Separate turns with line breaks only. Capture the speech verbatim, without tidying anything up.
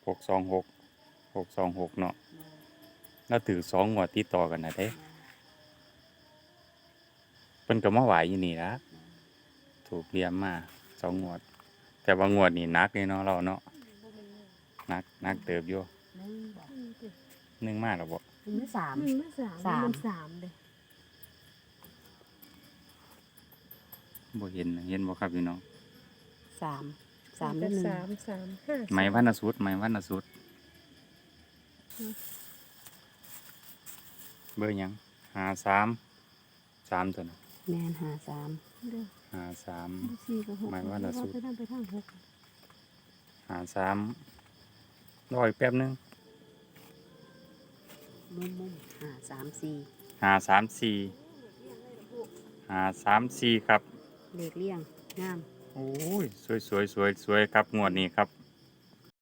หกสองหกหกสองหกเนาะแล้วถือสองงวดติดต่อกันนะเด้เพิ่นก็มาไหวอยู่นี่ละถูกเรียมมาสองงวด แต่ว่างวดนี่นักเลยเนาะเราเนาะนักนักเติบอยู่
หนึ่งบ่
หนึ่งมากหรอบ่
หนึ่งหรือสาม
หนึ่งมาสาม
สาม
มันสามเลย
บ่เห็นเห็นบ่ครับพี่น้อง
สามสามหรือหนึ่ง
สามสามห้า
ไม้วันนสุดไม้วันนสุดเบอร์หยังหาสามสามตัวน่ะ
แมนหาสาม
เด้อ
หาสาม
สี่กับหก
หมายว่าละสุด
ไปทางไปทางหก
หาสามรออีกแป๊บนึง
มุมมุมหาสามสี่
หาสามสี่หาสามสี่ครับ
เลขเลี่ยงงาม
โอ้ยสวยสวยสวยสวยครับงวดนี้ครับ